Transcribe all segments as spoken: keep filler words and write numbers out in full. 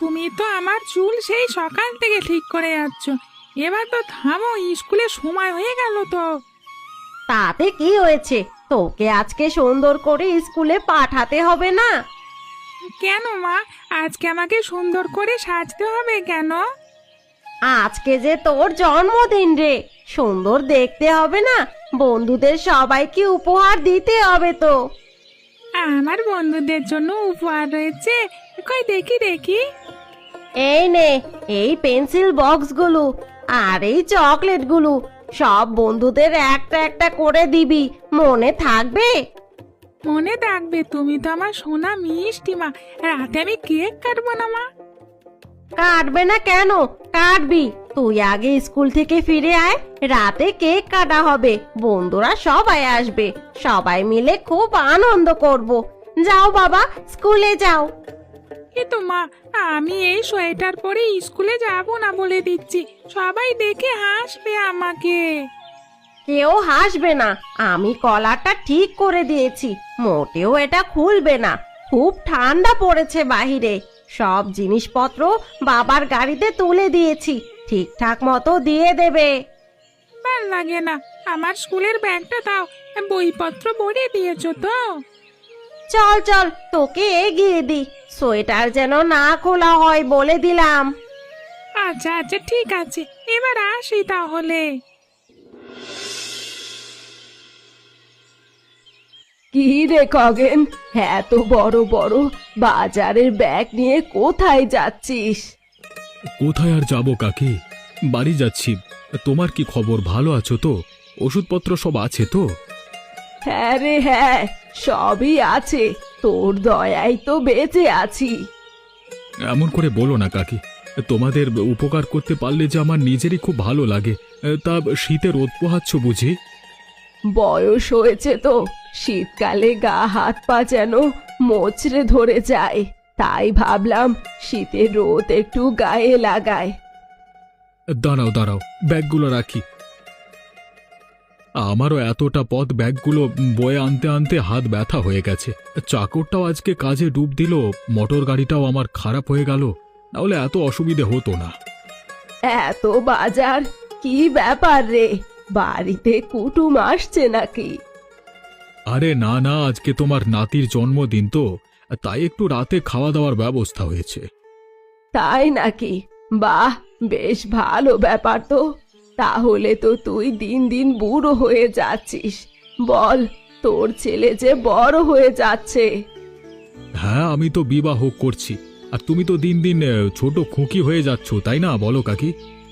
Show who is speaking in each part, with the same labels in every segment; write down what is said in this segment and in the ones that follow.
Speaker 1: তুমি তো আমার চুল সেই সকাল থেকে ঠিক করে যাচ্ছ। এবার তো থামো, স্কুলে সময় হয়ে গেল তো।
Speaker 2: তাতে কি হয়েছে, তোকে আজকে সুন্দর করে স্কুলে পাঠাতে হবে না?
Speaker 1: কেন মা, আজকে আমাকে সুন্দর করে সাজতে হবে কেন?
Speaker 2: আজকে যে তোর জন্মদিন রে, সুন্দর দেখতে হবে না? বন্ধুদের সবাইকে উপহার দিতে হবে তো।
Speaker 1: আমার বন্ধুদের জন্য উপহার রয়েছে, কই দেখি দেখি।
Speaker 2: এই নে, এই পেন্সিল বক্সগুলো আর এই চকলেটগুলো সব বন্ধুদের একটা একটা করে দিবি, মনে থাকবে?
Speaker 1: মনে থাকবে, তুমি তো আমার সোনা মিষ্টি মা। রাতে আমি কেক কাটবো না মা?
Speaker 2: কাটবে না কেন? কাটবি। তুই আগে স্কুল থেকে ফিরে আয়, রাতে কেক কাটা হবে, বন্ধুরা সবাই আসবে, সবাই মিলে খুব আনন্দ করব। যাও বাবা, স্কুলে যাও।
Speaker 1: কিন্তু মা, আমি এই সোয়েটার পরে স্কুলে যাব না বলে দিচ্ছি, সবাই দেখে হাসবে আমাকে।
Speaker 2: কেউ হাসবে না, আমি কলারটা ঠিক করে দিয়েছি, মোটেও এটা খুলবে না। খুব ঠান্ডা পড়েছে বাহিরে, সব জিনিসপত্র বাবার গাড়িতে তুলে দিয়েছি, ঠিকঠাক মতো দিয়ে দেবে।
Speaker 1: ভাল লাগে না, আমার স্কুলের ব্যাগটা দাও, বইপত্র ভরে দিয়েছো তো?
Speaker 2: চল চল, তোকে এগিয়ে দি, সোয়েটার যেন না খোলা হয় বলে দিলাম।
Speaker 1: আচ্ছা আচ্ছা ঠিক আছে, এবার আসি তাহলে।
Speaker 2: কি রে খগেন, এত বড় বড় বাজারের ব্যাগ নিয়ে কোথায় যাচ্ছিস?
Speaker 3: কোথায় আর যাব কাকি, বাড়ি যাচ্ছি। তোমার কি খবর, ভালো আছো তো? ওষুধপত্র সব আছে তো?
Speaker 2: হ্যাঁ রে হ্যাঁ, সবই আছে, তোর দয়ায় তো বেঁচে আছি।
Speaker 3: এমন করে বলো না কাকি, তোমাদের উপকার করতে পারলে যে আমার নিজেরই খুব ভালো লাগে। তা শীতে রোদ পোহাচ্ছ বুঝি?
Speaker 2: বয়স হয়েছে তো, শীতকালে গা হাত পা যেন মোচড়ে ধরে যায়, তাই ভাবলাম শীতের রোদ একটু গায়ে লাগায়।
Speaker 3: দাঁড়াও দাঁড়াও, ব্যাগগুলো রাখি। আমারও এতটা পথ ব্যাগগুলো বয়ে আনতে আনতে হাত ব্যথা হয়ে গেছে। চাকরটাও আজকে কাজে ডুব দিল, মোটর গাড়িটাও আমার খারাপ হয়ে গেল, নাহলে এত অসুবিধে হতো না।
Speaker 2: এত বাজার, কি ব্যাপার রে? বাড়িতে কুটুম আসছে নাকি?
Speaker 3: আরে না না, আজকে তোমার নাতির জন্মদিন তো, তাই একটু রাতে খাওয়া দাওয়ার ব্যবস্থা হয়েছে।
Speaker 2: তাই নাকি? বাহ, বেশ ভালো ব্যাপার তো। তাহলে তো তুই দিন দিন বুড়ো হয়ে যাচ্ছিস। বল, তোর ছেলে যে বড় হয়ে যাচ্ছে।
Speaker 3: হ্যাঁ, আমি তো বিবাহ করছি, আর তুমি তো দিন দিন আহ, ছোট খুকি হয়ে যাচ্ছ, তাই না বলো কাকি?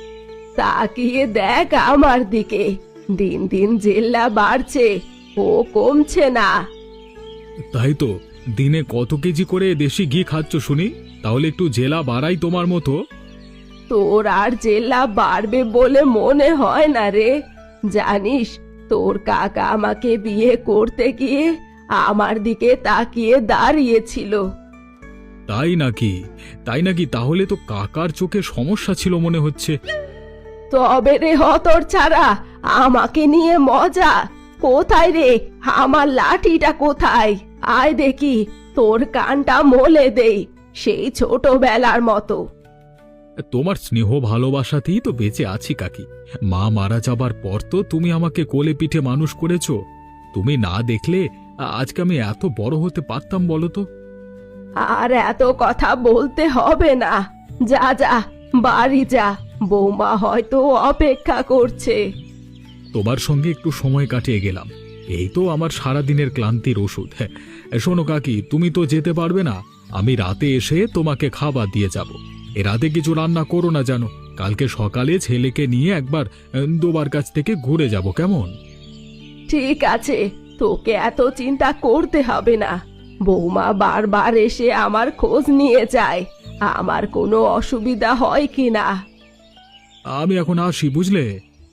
Speaker 2: তাকিয়ে দেখ আমার দিকে, দিন দিন জেল্লা বাড়ছে, ও কমছে না।
Speaker 3: তাই তো, দিনে কত কেজি করে দেশি ঘি খাচ্ছ শুনি, তাহলে একটু জেলা বাড়াই তোমার মতো।
Speaker 2: তোর আর জেল্লা বাড়বে বলে মনে হয় না রে। জানিস, তোর কাকা আমাকে বিয়ে করতে গিয়ে আমার দিকে তাকিয়ে দাঁড়িয়েছিল।
Speaker 3: তাই নাকি? তাই নাকি? তাহলে তো কাকার চোখে সমস্যা ছিল মনে হচ্ছে।
Speaker 2: তবে রে হতর ছাড়া, আমাকে নিয়ে মজা? কোথায় রে আমার লাঠিটা, কোথায়? আয় দেখি, তোর কানটা মলে দেই, সেই ছোটবেলার মতো।
Speaker 3: তোমার স্নেহ ভালোবাসাতেই তো বেঁচে আছি কাকি। মা মারা যাবার পর তো তুমি আমাকে কোলে পিঠে মানুষ করেছো। তুমি না দেখলে আজকে আমি এত বড় হতে পারতাম বলো তো?
Speaker 2: আর এত কথা বলতে হবে না, যা যা বাড়ি যা, বৌমা হয়তো অপেক্ষা করছে।
Speaker 3: তোমার সঙ্গে একটু সময় কাটিয়ে গেলাম, এই তো আমার সারাদিনের ক্লান্তির ওষুধ। হ্যাঁ, শোনো কাকি, তুমি তো যেতে পারবে না, আমি রাতে এসে তোমাকে খাবার দিয়ে যাব। এ রাতে কিছু রান্না করো না জানো, কালকে সকালে ছেলেকে নিয়ে একবার আহ, দোবার কাছ থেকে ঘুরে যাব, কেমন?
Speaker 2: ঠিক আছে, তোকে এত চিন্তা করতে হবে না। বৌমা বারবার এসে আমার খোঁজ নিয়ে যায়, আমার কোনো অসুবিধা হয় কি না।
Speaker 3: আমি এখন আসি, বুঝলে?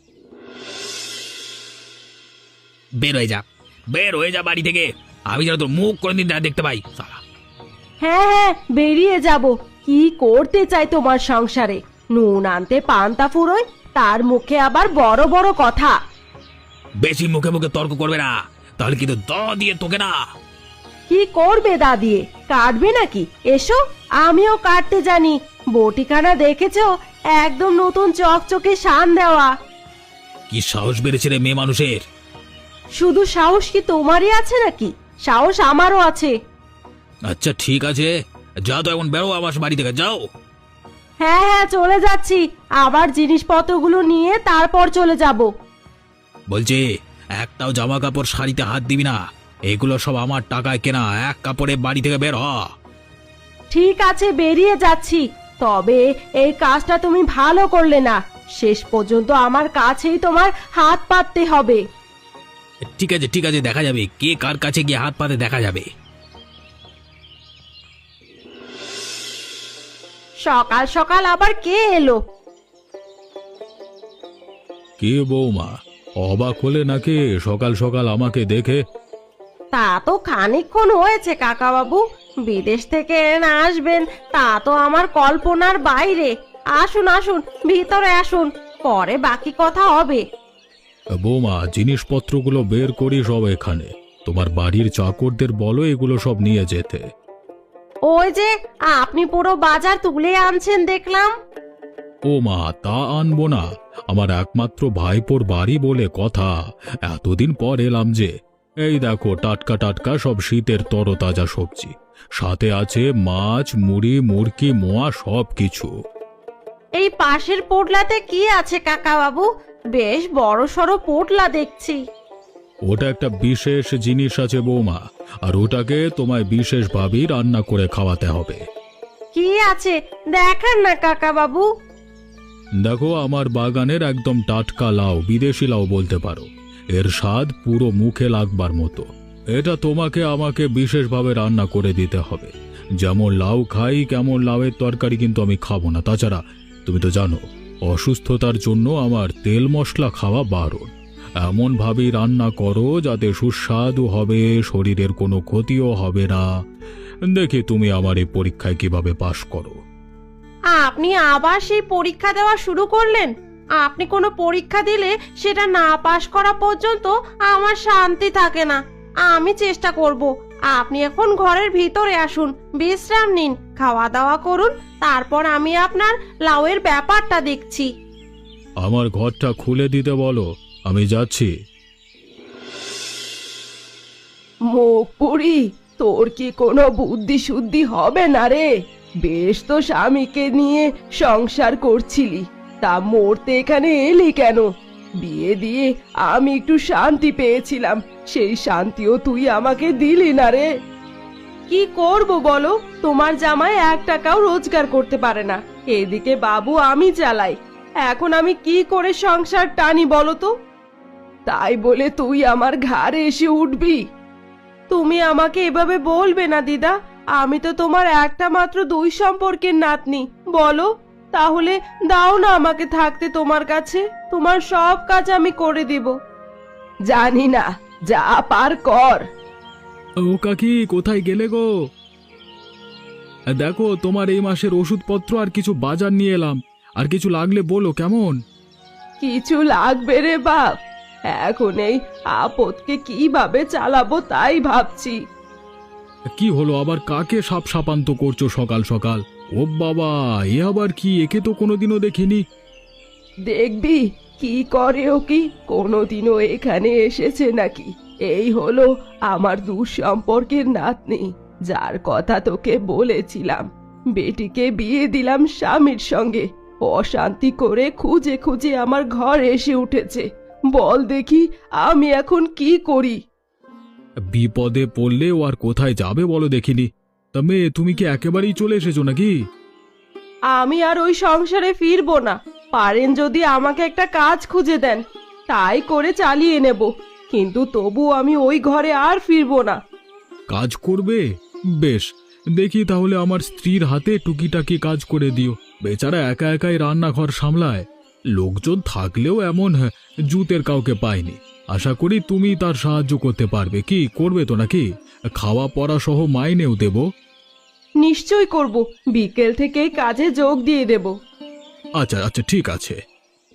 Speaker 4: বের হয়ে যা, বের হয়ে যা বাড়ি থেকে, আমি যেন তোর মুখ কোনদিন না দেখতে পাই। শালা,
Speaker 2: হ্যাঁ হ্যাঁ, বেরিয়ে যাব। কি করতে চাই তোমার সংসারে? নুন আনতে পান্তা ফুরোয়, তার মুখে আবার বড় বড় কথা।
Speaker 4: বেশি মুখে মুখে তর্ক করবে না, তাহলে কিন্তু দ দিয়ে তোকে না।
Speaker 2: কি করবে দাদিয়ে, কাটবে নাকি? এসো, আমিও কাটতে জানি। বটিখানা দেখেছো? একদম নতুন চকচকে শান দেওয়া।
Speaker 4: কি সাহস বেড়েছে রে মেয়ে মানুষের!
Speaker 2: শুধু সাহস কি তোমারই আছে নাকি? সাহস আমারও আছে।
Speaker 4: আচ্ছা ঠিক আছে, যা তো এখন বেরো আমার বাড়ি থেকে, যাও।
Speaker 2: হ্যাঁ হ্যাঁ চলে যাচ্ছি, আবার জিনিসপত্রগুলো নিয়ে তারপর চলে যাব।
Speaker 4: বলছি, একটাও জামা কাপড় শাড়িতে হাত দিবি না, এগুলো সব আমার টাকায় কেনা। এক কাপড়ে বাড়ি থেকে বের হ।
Speaker 2: ঠিক আছে, বেরিয়ে যাচ্ছি। তবে এই কাজটা তুমি ভালো করলে না, শেষ পর্যন্ত আমার কাছেই তোমার হাত পাততে হবে।
Speaker 4: ঠিক আছে ঠিক আছে, দেখা যাবে কে কার কাছে গিয়ে হাত পাতে, দেখা যাবে।
Speaker 2: সকাল সকাল আবার কে এলো?
Speaker 3: কি বৌমা, অবাক হলে নাকি সকাল সকাল আমাকে দেখে?
Speaker 2: তা তো খানিকক্ষণ হয়েছে কাকা বাবু, বিদেশ থেকে না আসবেন তা তো আমার কল্পনার বাইরে। আসুন আসুন, ভিতরে আসুন, পরে বাকি কথা হবে।
Speaker 3: বৌমা, জিনিসপত্রগুলো বের করি সব এখানে। তোমার বাড়ির চাকরদের বলো এগুলো সব নিয়ে যেতে।
Speaker 2: ওই যে আপনি পুরো বাজার তুলে আনছেন দেখলাম।
Speaker 3: ও মা, তা আনবো না? আমার একমাত্র ভাইপোর বাড়ি বলে কথা, এতদিন পর এলাম যে। এই দেখো, টাটকা টাটকা সব শীতের তরতাজা সবজি, সাথে আছে মাছ, মুড়ি, মুরকি, মোয়া, সব কিছু।
Speaker 2: এই পাশের পোটলাতে কি আছে কাকা বাবু? বেশ বড় সড়ো পোটলা দেখছি।
Speaker 3: ওটা একটা বিশেষ জিনিস আছে বৌমা, আর ওটাকে তোমায় বিশেষভাবেই রান্না করে খাওয়াতে হবে।
Speaker 2: কি আছে দেখান না কাকা বাবু।
Speaker 3: দেখো, আমার বাগানের একদম টাটকা লাউ, বিদেশি লাউ বলতে পারো। এর স্বাদ পুরো মুখে লাগবার মতো। এটা তোমাকে আমাকে বিশেষভাবে রান্না করে দিতে হবে। যেমন লাউ খাই, কেমন লাউয়ের তরকারি কিন্তু আমি খাবো না। তাছাড়া তুমি তো জানো, অসুস্থতার জন্য আমার তেল মশলা খাওয়া বারণ। এমন ভাবেই রান্না করো যাতে সুস্বাদু হবে, শরীরের কোনো ক্ষতিও হবে না। দেখি তুমি আমার এই পরীক্ষায় কিভাবে পাশ করো।
Speaker 2: আপনি আবার সেই পরীক্ষা দেওয়া শুরু করলেন? আপনি কোনো পরীক্ষা দিলে সেটা না পাশ করা পর্যন্ত আমার শান্তি থাকে না। আমি চেষ্টা করব। আপনি এখন ঘরের ভিতরে আসুন, বিশ্রাম নিন, খাওয়া দাওয়া করুন, তারপর আমি আপনার লাউয়ের ব্যাপারটা দেখছি।
Speaker 3: আমার ঘরটা খুলে দিতে বলো, আমি যাচ্ছি।
Speaker 5: মুখপুরি, তোর কি কোনো বুদ্ধি শুদ্ধি হবে না রে? বেশ তো স্বামীকে নিয়ে সংসার করছিলি, তা মরতে এখানে এলি কেন? বিয়ে দিয়ে আমি একটু শান্তি পেয়েছিলাম, সেই শান্তিও তুই আমাকে দিলি না রে।
Speaker 2: কি করব বলো, তোমার জামাই এক টাকাও রোজগার করতে পারে না, এদিকে বাবু আমি চালাই। এখন আমি কি করে সংসার টানি বলো তো?
Speaker 5: তাই বলে তুই আমার ঘাড়ে এসে উঠবি?
Speaker 2: তুমি আমাকে এভাবে বলবে না দিদা, আমি তো তোমার একটা মাত্র দুই সম্পর্কের নাতনি। বলো, তাহলে দাও না আমাকে থাকতে তোমার কাছে, তোমার সব কাজ আমি করে দেব।
Speaker 5: জানি না, যা পার কর।
Speaker 3: ও কাকি, কোথায় গেলে গো? দেখো, তোমার এই মাসের ওষুধপত্র আর কিছু বাজার নিয়ে এলাম। আর কিছু লাগলে বলো, কেমন?
Speaker 5: কিছু লাগবে রে বাপ, এখন এই আপদকে কিভাবে চালাবো তাই ভাবছি।
Speaker 3: কি হলো আবার? কাকে সাপ সাপান্ত করছো সকাল সকাল? ও বাবা, এ আবার কি? একে তো কোনোদিনও দেখিনি।
Speaker 5: দেখবি কি করে ও, কি কোনোদিনও এখানে এসেছে নাকি? এই হলো আমার দুঃসম্পর্কের নাতনি, যার কথা তোকে বলেছিলাম। বেটিকে বিয়ে দিলাম স্বামীর সঙ্গে, অশান্তি করে খুঁজে খুঁজে আমার ঘর এসে উঠেছে। বল দেখি আমি এখন কি করি?
Speaker 3: বিপদে পড়লে ও আর কোথায় যাবে বলো দেখিনি। তা মেয়ে, তুমি কি একেবারেই চলে এসেছো নাকি?
Speaker 2: আমি আর ওই সংসারে ফিরবো না। পারেন যদি আমাকে একটা কাজ খুঁজে দেন, তাই করে চালিয়ে নেব, কিন্তু তবু আমি ওই ঘরে আর ফিরবো না।
Speaker 3: কাজ করবে? বেশ, দেখি তাহলে আমার স্ত্রীর হাতে টুকিটাকি কাজ করে দিও। বেচারা একা একাই রান্নাঘর সামলায়, লোকজন থাকলেও এমন জুতের কাউকে পায়নি। আশা করি তুমি তার সাহায্য করতে পারবে। কি করবে তো নাকি? খাওয়া পড়া সহ মাইনেও দেব।
Speaker 2: নিশ্চয় করব, বিকেল থেকে কাজে যোগ দিয়ে দেব।
Speaker 3: আচ্ছা আচ্ছা, ঠিক আছে।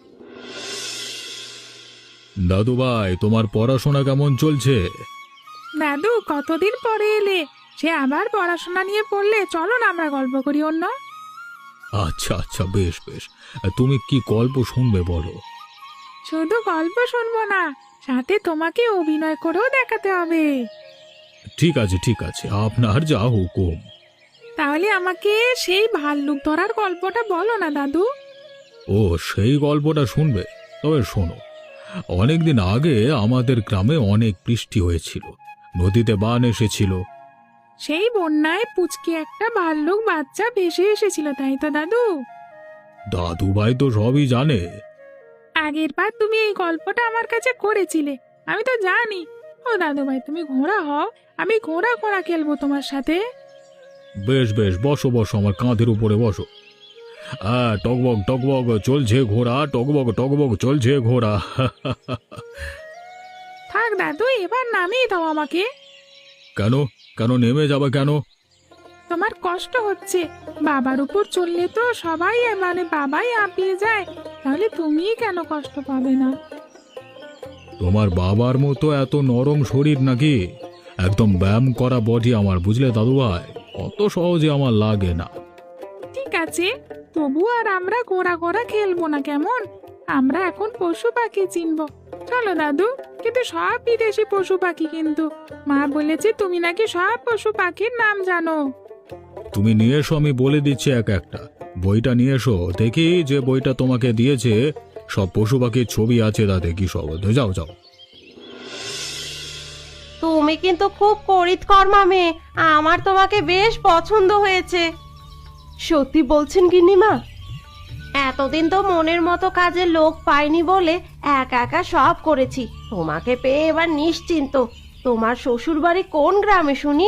Speaker 3: দাদু ভাই, তোমার পড়াশোনা কেমন চলছে?
Speaker 1: দাদু কতদিন পরে এলে, সে আবার পড়াশোনা নিয়ে পড়লে, চলো না আমরা গল্প করি অন্য।
Speaker 3: আচ্ছা আচ্ছা, বেশ বেশ। তুমি কি গল্প শুনবে বলো?
Speaker 1: শুধু গল্প শুনবো না, সাথে তোমাকে অভিনয় করেও দেখাতে হবে।
Speaker 3: ঠিক আছে ঠিক আছে, আপনার যা হুকুম।
Speaker 1: তাহলে আমাকে সেই ভাল্লুক ধরার গল্পটা বলো না দাদু।
Speaker 3: ও, সেই গল্পটা শুনবে? তবে শোনো, অনেকদিন আগে আমাদের গ্রামে অনেক বৃষ্টি হয়েছিল, নদীতে বান এসেছিল।
Speaker 1: সেই বন্যায় পুচকে একটা ভাল্লুক বাচ্চা ভেসে এসেছিল, তাই তো দাদু?
Speaker 3: দাদু ভাই তো সবই জানে।
Speaker 1: আগের বার তুমি এই গল্পটা আমার কাছে করেছিলে, আমি তো জানি। ও দাদু ভাই, তুমি ঘোড়া হও, আমি ঘোড়া ঘোড়া খেলবো তোমার সাথে।
Speaker 3: বেশ বেশ, বসো বসো, আমার কাঁধের উপরে বসো। হ্যাঁ, টকবক টকবক চলছে ঘোড়া, টকবক টকবক চলছে ঘোড়া।
Speaker 1: থাক দাদু, এবার নামিয়ে দাও আমাকে।
Speaker 3: কেন কেন নেমে যাবে কেন?
Speaker 1: তোমার কষ্ট হচ্ছে, বাবার উপর চললে তো সবাই মানে বাবাই হাঁপিয়ে যায়, তাহলে তুমি কেন কষ্ট পাবে না?
Speaker 3: তোমার বাবার মতো এত নরম শরীর নাকি? একদম ব্যায়াম করা বডি আমার, বুঝলে দাদু ভাই, অত সহজে আমার লাগে না।
Speaker 1: ঠিক আছে, তবু আর আমরা ঘোড়া ঘোড়া খেলবো না কেমন? আমরা এখন পশু পাখি চিনবো। চলো দাদু, কিন্তু সব বিদেশি পশু পাখি, কিন্তু মা বলেছে তুমি নাকি সব পশু পাখির নাম জানো।
Speaker 3: তুমি নিয়ে এসো, আমি বলে দিচ্ছি এক একটা। বইটা নিয়ে এসো, দেখি যে বইটা তোমাকে দিয়েছে সব পশু পাখির ছবি আছে, তাতে কি সব। যাও যাও।
Speaker 2: তুমি কিন্তু খুব করিতকর্মা মেয়ে, আমার তোমাকে বেশ পছন্দ হয়েছে।
Speaker 5: সত্যি বলছেন গিন্নিমা?
Speaker 2: এতদিন তো মনের মতো কাজে লোক পাইনি বলে একা একা সব করেছি, তোমাকে পেয়ে এবার নিশ্চিন্ত। তোমার শ্বশুর বাড়ি কোন গ্রামে শুনি?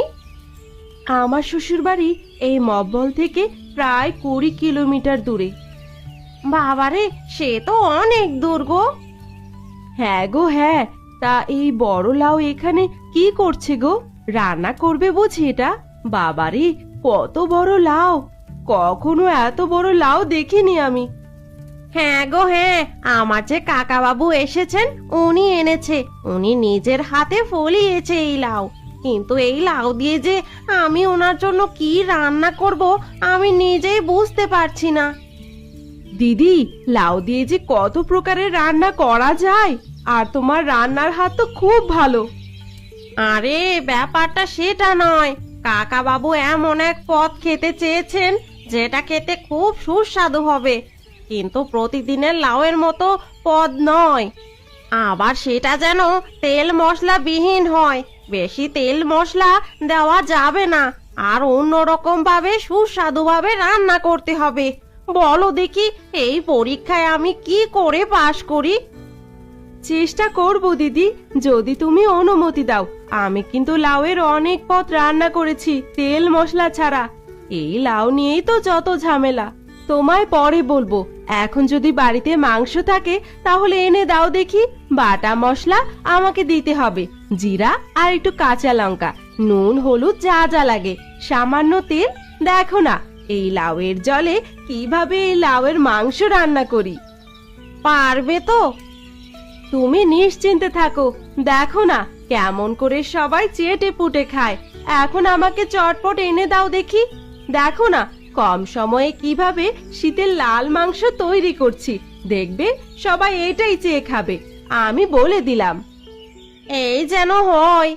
Speaker 5: আমার শ্বশুর বাড়ি এই মব্বল থেকে প্রায় কুড়ি কিলোমিটার দূরে।
Speaker 2: বাবারে, সে তো অনেক দূর গো।
Speaker 5: হ্যাঁ গো হ্যাঁ, তা এই বড় লাউ এখানে কি করছে গো? রান্না করবে বুঝি এটা? বাবারে, কত বড় লাউ! কখনো এত বড় লাউ দেখিনি আমি।
Speaker 2: হ্যাঁ গো হ্যাঁ, আমার যে কাকা বাবু এসেছেন, উনি এনেছে, উনি নিজের হাতে ফলিয়েছে এই লাউ। কিন্তু এই লাউ দিয়ে যে আমি ওনার জন্য কি রান্না করব আমি নিজেই বুঝতে পারছি না।
Speaker 5: দিদি, লাউ দিয়ে যে কত প্রকারের রান্না করা যায়, আর তোমার রান্নার হাত তো খুব ভালো।
Speaker 2: আরে ব্যাপারটা সেটা নয়, কাকা বাবু এমন এক পদ খেতে চেয়েছেন যেটা খেতে খুব সুস্বাদু হবে, কিন্তু প্রতিদিনের লাউয়ের মতো পদ নয়। আবার সেটা যেন তেল মশলা বিহীন হয়, বেশি তেল মশলা দেওয়া যাবে না, আর অন্যরকম ভাবে সুস্বাদু ভাবে রান্না করতে হবে। বলো দেখি, এই পরীক্ষায় আমি কি করে পাশ করি?
Speaker 5: চেষ্টা করব দিদি, যদি তুমি অনুমতি দাও। আমি কিন্তু লাউয়ের অনেক পদ রান্না করেছি তেল মশলা ছাড়া। এই লাউ নিয়েই তো যত ঝামেলা। তোমায় পরে বলবো, এখন যদি বাড়িতে মাংস থাকে তাহলে এনে দাও দেখি। বাটা মশলা আমাকে দিতে হবে, জিরা আর একটু কাঁচা লঙ্কা, নুন হলুদ যা যা লাগে, সামান্য তেল। দেখো না এই লাউয়ের জলে কিভাবে এই লাউয়ের মাংস রান্না করি।
Speaker 2: পারবে তো?
Speaker 5: তুমি নিশ্চিন্তে থাকো, দেখো না কেমন করে সবাই চেটে পুটে খায়। এখন আমাকে চটপট এনে দাও দেখি। দেখো না কম সময়ে কিভাবে শীতের লাল মাংস তৈরি করছি, দেখবে সবাই এটাই চেয়ে খাবে, আমি বলে দিলাম।
Speaker 2: এই যেন হয়।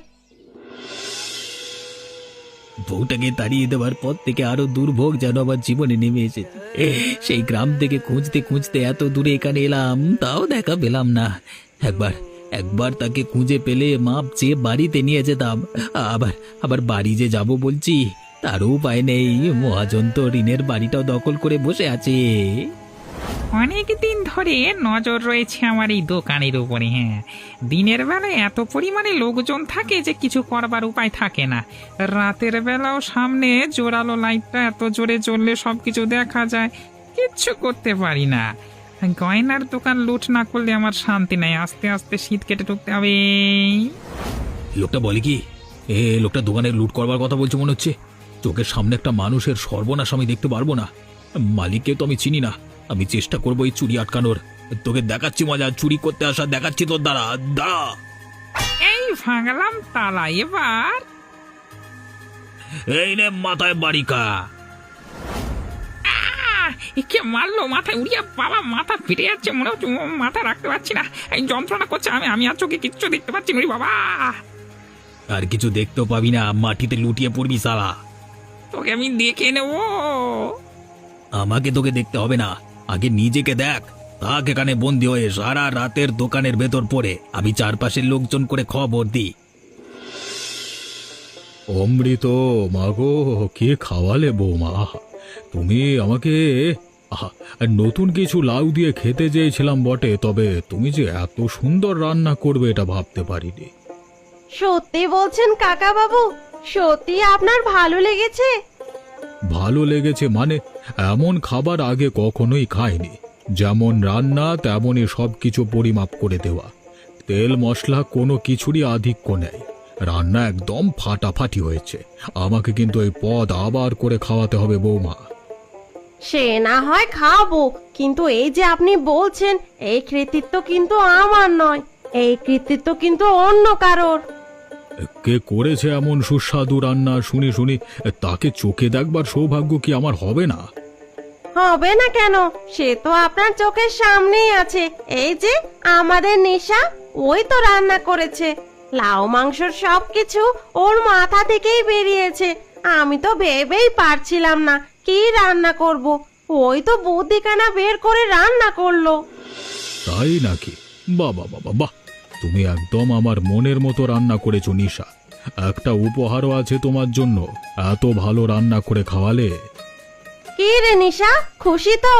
Speaker 4: বউটাকে তাড়িয়ে দেওয়ার পর থেকে আরো দুর্ভোগ যেন আমার জীবনে নেমে এসেছে। সেই গ্রাম থেকে খুঁজতে খুঁজতে এত দূরে এখানে এলাম, তাও দেখা পেলাম না। একবার একবার তাকে খুঁজে পেলে মাপ চেয়ে বাড়িতে নিয়ে যেতাম। আবার আবার বাড়ি যে যাব বলছি, তারও উপায় নেই। মহাজন তো ঋণের বাড়িটাও দখল করে বসে আছে।
Speaker 1: অনেক দিন ধরে নজর রয়েছে আমার এই দোকানের উপরে। হ্যাঁ, দিনের বেলায় এত পরিমাণে লোকজন থাকে যে কিছু করবার উপায় থাকে না। রাতের বেলাও সামনে জোরালো লাইটটা এত জোরে জ্বললে সব কিছু দেখা যায়, কিচ্ছু করতে পারি না। গয়নার দোকান লুট না করলে আমার শান্তি নাই। আস্তে আস্তে শীত কেটে ঢুকতে হবে।
Speaker 4: লোকটা বলে কি, এ লোকটা দোকানে লুট করবার কথা বলছে মনে হচ্ছে। চোখের সামনে একটা মানুষের সর্বনাশ আমি দেখতে পারবো না। মালিককে তো আমি চিনি না, আমি চেষ্টা করবো এই চুরি আটকানোর। তোকে দেখাচ্ছি মজা, চুরি করতে আসা দেখাচ্ছি তোর দ্বারা। দাঁড়া।
Speaker 1: এই ভাঙলাম তালা এবার।
Speaker 4: এই নে মাথায় বাড়িকা।
Speaker 1: আহ! এ কে মারলো মাথায় উড়িয়ে, বাবা মাথা ফেটে যাচ্ছে, মনে হচ্ছে ও, মাথা রাখতে পারছি না, এই যন্ত্রণা করছে, আমি আমি আর চোখে কিচ্ছু দেখতে পাচ্ছি না, ওরে বাবা।
Speaker 4: আর কিছু দেখতেও পাবি না, মাটিতে লুটিয়ে পড়বি শালা।
Speaker 1: তোকে আমি দেখে নেবো।
Speaker 4: আমাকে তোকে দেখতে হবে না, আগে নিজেকে দেখ। তাক এখানে বন্দি হয়ে সারা রাতের দোকানের ভেতর পড়ে আমি চারপাশের লোকজন করে খবর দিই।
Speaker 3: অমৃত মাগো, কে খাওয়ালে বৌমা? তুমি আমাকে আহা, নতুন কিছু লাউ দিয়ে খেতে চেয়েছিলাম বটে, তবে তুমি যে এত সুন্দর রান্না করবে এটা ভাবতে পারিনি।
Speaker 2: সত্যি বলছেন কাকা বাবু? সত্যি আপনার ভালো লেগেছে?
Speaker 3: ভালো লেগেছে মানে? এমন খাবার আগে কখনোই খাইনি। যেমন রান্না তেমনই সব কিছু পরিমাপ করে দেওয়া, তেল মশলা কোনো কিছুরই আধিক্য নেই। রান্না একদম ফাটাফাটি হয়েছে। আমাকে কিন্তু এই পদ আবার করে খাওয়াতে হবে বৌমা।
Speaker 2: সে না হয় খাবো, কিন্তু এই যে আপনি বলছেন, এই কৃতিত্ব কিন্তু আমার নয়, এই কৃতিত্ব কিন্তু অন্য কারোর।
Speaker 3: কে করেছে এমন সুস্বাদু রান্না শুনি শুনি, তাকে চোখে দেখবার সৌভাগ্য কি আমার হবে না?
Speaker 2: হবে না কেন? সে তো আপনার চোখের সামনেই আছে। এই যে আমাদের নিশা, ওই তো রান্না করেছে। লাউ মাংসর সবকিছু ওর মাথা থেকেই বেরিয়েছে। আমি তো ভেবেই পারছিলাম না কি রান্না করব, ওই তো বুদ্ধিখানা বের করে রান্না করলো।
Speaker 3: তাই নাকি? বাবা বাবা বাহ, তুমি একদম আমার মনের মতো রান্না করেছো নিশা। একটা উপহারও আছে তোমার জন্য, এত ভালো রান্না করে খাওয়ালে।
Speaker 2: কি রে নিশা, খুশি তো?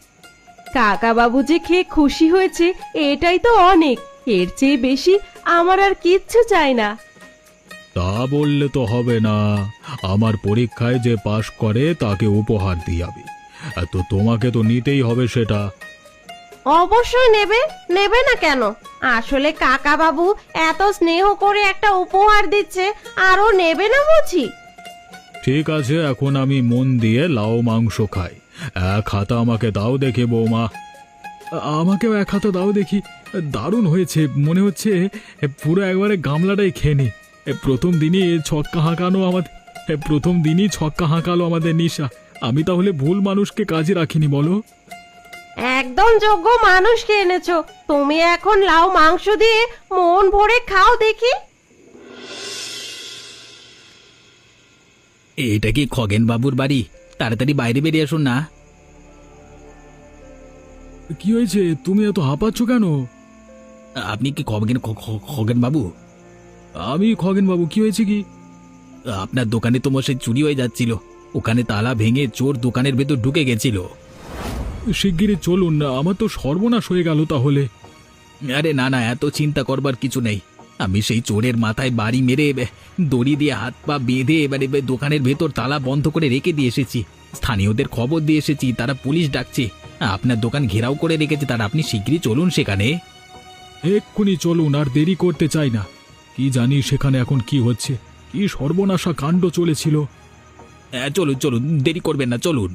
Speaker 5: কাকা বাবু যে খেয়ে খুশি হয়েছে এটাই তো অনেক, এর চেয়ে বেশি আমার আর কিচ্ছু চাই না।
Speaker 3: তা বললে তো হবে না, আমার পরীক্ষায় যে পাশ করে তাকে উপহার দিয়াবি, তো তোমাকে তো নিতেই হবে সেটা।
Speaker 2: অবশ্যই নেবে, নেবে না কেন? আসলে কাকা বাবু এত স্নেহ করে একটা উপহার দিচ্ছে, আরো নেবে না বুঝি?
Speaker 3: ঠিক আছে, এখন আমি মন দিয়ে লাউ মাংস খাই। এক হাতা আমাকে দাও দেখে বৌমা। আমাকেও এক হাতা দাও দেখি। দারুণ হয়েছে, মনে হচ্ছে পুরো একবারে গামলাটাই খেয়ে নি। প্রথম দিনই ছক্কা হাঁকানো আমাদের প্রথম দিনই ছক্কা হাঁকালো আমাদের নিশা। আমি তাহলে ভুল মানুষকে কাজে রাখিনি বলো?
Speaker 2: একদম যোগ্য মানুষকে এনেছো। তুমি এখন লাউ মাংস দিয়ে মন ভরে খাও দেখি।
Speaker 4: এটা কি খগেন বাবুর বাড়ি? তাড়াতাড়ি বাইরে বেরিয়ে আসুন না।
Speaker 3: কি হয়েছে, তুমি এত হাঁপাচ্ছ কেন?
Speaker 4: আপনি কি খগেন খ- খ- খগেন বাবু?
Speaker 3: আমি খগেন বাবু, কি হয়েছে কি?
Speaker 4: আপনার দোকানে তো মশাই চুরি হয়ে যাচ্ছিল, ওখানে তালা ভেঙে চোর দোকানের ভেতর ঢুকে গেছিল।
Speaker 3: শিগগিরই চলুন না, আমার তো সর্বনাশ হয়ে গেল তাহলে।
Speaker 4: আরে না না, এত চিন্তা করবার কিছু নেই। আমি সেই চোরের মাথায় বাড়ি মেরে বে, দড়ি দিয়ে হাত পা বেঁধে এবারে বে দোকানের ভেতর তালা বন্ধ করে রেখে দিয়ে এসেছি। স্থানীয়দের খবর দিয়ে এসেছি, তারা পুলিশ ডাকছে। আপনার দোকান ঘেরাও করে রেখেছে তারা। আপনি শিগগিরই চলুন সেখানে।
Speaker 3: এক্ষুনি চলুন, আর দেরি করতে চাই না। কি জানি সেখানে এখন কি হচ্ছে, কি সর্বনাশা কাণ্ড চলেছিল।
Speaker 4: হ্যাঁ, চলুন চলুন, দেরি করবেন না, চলুন।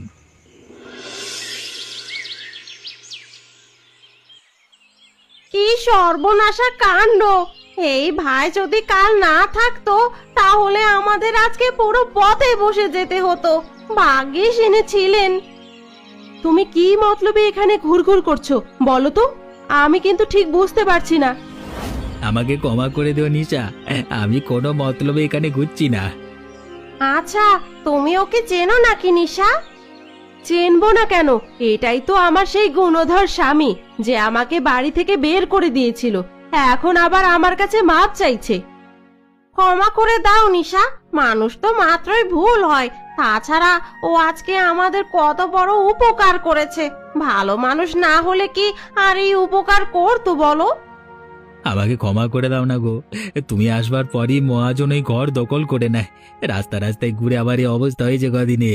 Speaker 2: কি সর্বনাশা কাণ্ড! এই ভাই যদি কাল না থাকতো তাহলে আমাদের আজকে পুরো পথে বসে যেতে হতো। ভাগ্যিস এনেছিলেন।
Speaker 5: তুমি কি মতলবে এখানে ঘুরঘুর করছো বলো তো? আমি কিন্তু ঠিক বুঝতে পারছি না।
Speaker 4: আমাকে ক্ষমা করে দিও নিশা, আমি কোনো মতলবে এখানে ঘুরছি না।
Speaker 2: আচ্ছা, তুমি ওকে চেনো নাকি নিশা?
Speaker 5: চেনবো না কেন? এটাই তো আমার সেই গুণধর স্বামী যে আমাকে বাড়ি থেকে বের করে দিয়েছিল, এখন আবার আমার কাছে মাপ চাইছে।
Speaker 2: ক্ষমা করে দাও নিশা, মানুষ তো মাত্রই ভুল হয়। তাছাড়া ও আজকে আমাদের কত বড় উপকার করেছে। ভালো মানুষ না হলে কি আর এই উপকার করতো বলো?
Speaker 4: আমাকে ক্ষমা করে দাও না গো। তুমি আসবার পরই মহাজন এই ঘর দখল করে নেয়। রাস্তা রাস্তায় ঘুরে আবার এই অবস্থা হয়েছে কদিনে।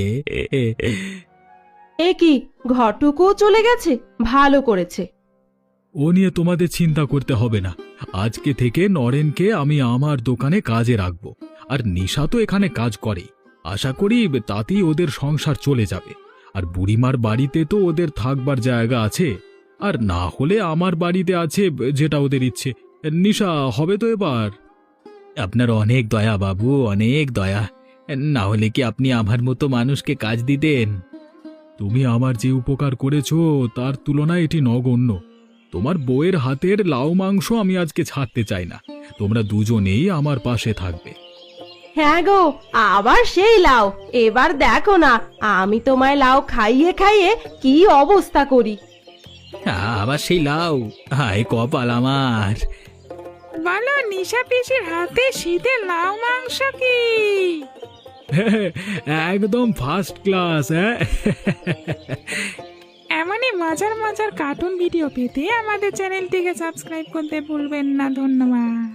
Speaker 5: এ কি, ঘরটুকুও চলে গেছে? ভালো করেছে।
Speaker 3: ও নিয়ে তোমাদের চিন্তা করতে হবে না। আজকে থেকে নরেনকে আমি আমার দোকানে কাজে রাখবো, আর নিশা তো এখানে কাজ করে। আশা করি তাতেই ওদের সংসার চলে যাবে। আর বুড়িমার বাড়িতে তো ওদের থাকবার জায়গা আছে, আর না হলে আমার বাড়িতে আছে, যেটা ওদের ইচ্ছে। নিশা, হবে তো এবার?
Speaker 4: আপনার অনেক দয়া বাবু, অনেক দয়া। না হলে কি আপনি আমার মতো মানুষকে কাজ দিতেন?
Speaker 3: তুমি আমার যে উপকার করেছো তার তুলনায় এটি নগণ্য। তোমার বউয়ের হাতের লাউ মাংস আমি আজকে ছাড়তে চাই না। তোমরা দুজনেই আমার পাশে থাকবে।
Speaker 2: হ্যাঁ গো, আবার সেই লাউ। এবার দেখো না আমি তোমায় লাউ খাইয়ে খাইয়ে কি অবস্থা করি।
Speaker 4: আবার সেই লাউ, হায় কপাল আমার।
Speaker 1: বলো নিশা পিসির হাতে শীতের লাউ মাংস কি?
Speaker 3: একদম ফার্স্ট ক্লাস। হ্যাঁ,
Speaker 1: এমনই মজার মজার কার্টুন ভিডিও পেতে আমাদের চ্যানেলটিকে সাবস্ক্রাইব করতে ভুলবেন না। ধন্যবাদ।